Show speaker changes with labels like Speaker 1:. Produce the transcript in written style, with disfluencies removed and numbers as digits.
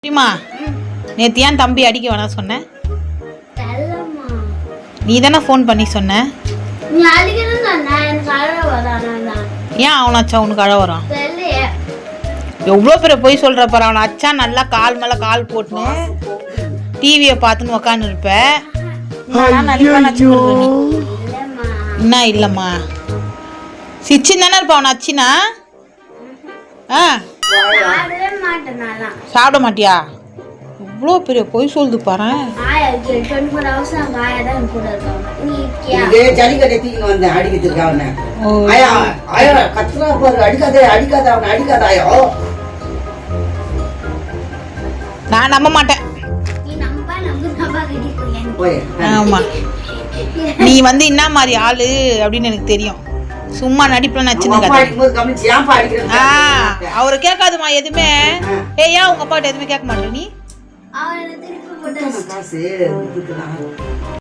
Speaker 1: சரிம்மா, நேற்று ஏன் தம்பி அடிக்க வேணாம் சொன்னேன்? நீ தானே ஃபோன் பண்ணி சொன்ன. ஏன் அவனாச்சா உனக்கு அழ வரான்? எவ்வளோ பேரை போய் சொல்கிற பாரு. அவனை அச்சா நல்லா கால் மேலே கால் போட்டுன்னு டிவியை பார்த்துன்னு உக்காந்து இருப்ப. என்ன இல்லைம்மா, சிச்சின் தானே இருப்பா அவனை அச்சினா? ஆ, சாப்பிட மாட்டியா? இவ்வளோ பெரிய பொய் சொல்லுது பாரு. நான் நம்ப மாட்டேன். ஆமா, நீ வந்து என்ன மாதிரி ஆளு அப்படின்னு எனக்கு தெரியும். சும்மா நடிப்புல நச்சுன்னு அவரை கேட்காதுமா எதுவுமே. ஏன் உங்க அப்பாட்ட எதுவுமே கேட்க மாட்டேன் நீ?